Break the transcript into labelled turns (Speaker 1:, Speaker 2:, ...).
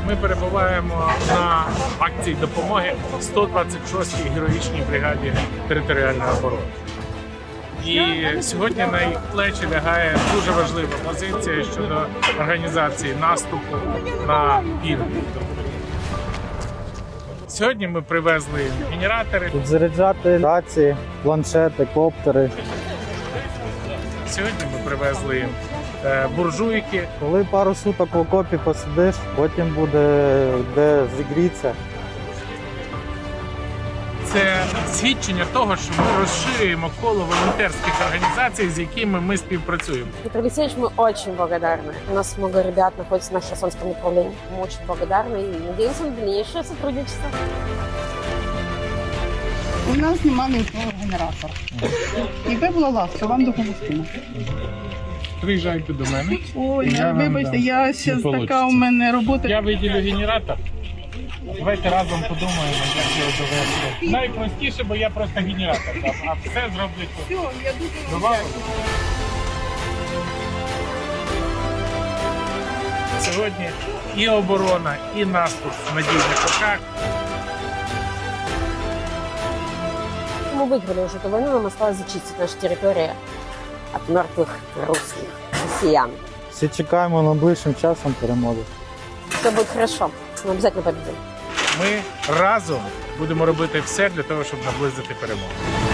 Speaker 1: Ми перебуваємо на акції допомоги 126-й героїчній бригаді територіальної оборони. І сьогодні на їх плечі лягає дуже важлива позиція щодо організації наступу на південь. Сьогодні ми привезли генератори.
Speaker 2: Тут заряджати рації, планшети, коптери.
Speaker 1: Сьогодні ми привезли буржуйки.
Speaker 2: Коли пару суток в окопі посидиш, потім буде де зігрітися.
Speaker 1: Це свідчення того, що ми розширюємо коло волонтерських організацій, з якими ми співпрацюємо.
Speaker 3: Петр Алексеевич, мы очень благодарны. У нас много ребят находится на Херсонском направлении. Мы очень благодарны и надеемся на дальнейшее сотрудничество.
Speaker 4: У нас немає ніякого генератора. Якби було ласка, вам допомогти.
Speaker 1: Приїжджайте до мене.
Speaker 4: Ой,
Speaker 1: Я вам
Speaker 4: вибачте,
Speaker 1: дам.
Speaker 4: я
Speaker 1: Не
Speaker 4: ще така
Speaker 1: получиться.
Speaker 4: у мене робота.
Speaker 1: Я виділю генератор. Давайте разом подумаємо, як його довести. Найпростіше, бо я просто генератор дам, а все зроблять тут.
Speaker 4: Все, я дуже вам
Speaker 1: Давай.
Speaker 4: дякую.
Speaker 1: Сьогодні і оборона, і наступ в надійних руках.
Speaker 3: Мы выиграли уже эту войну, нам осталось зачистить нашу территорию от мертвых русских, россиян.
Speaker 2: Всі чекаємо найближчим часом перемоги.
Speaker 3: Все будет хорошо, мы обязательно победим.
Speaker 1: Ми разом будемо робити все для того, щоб наблизити перемогу.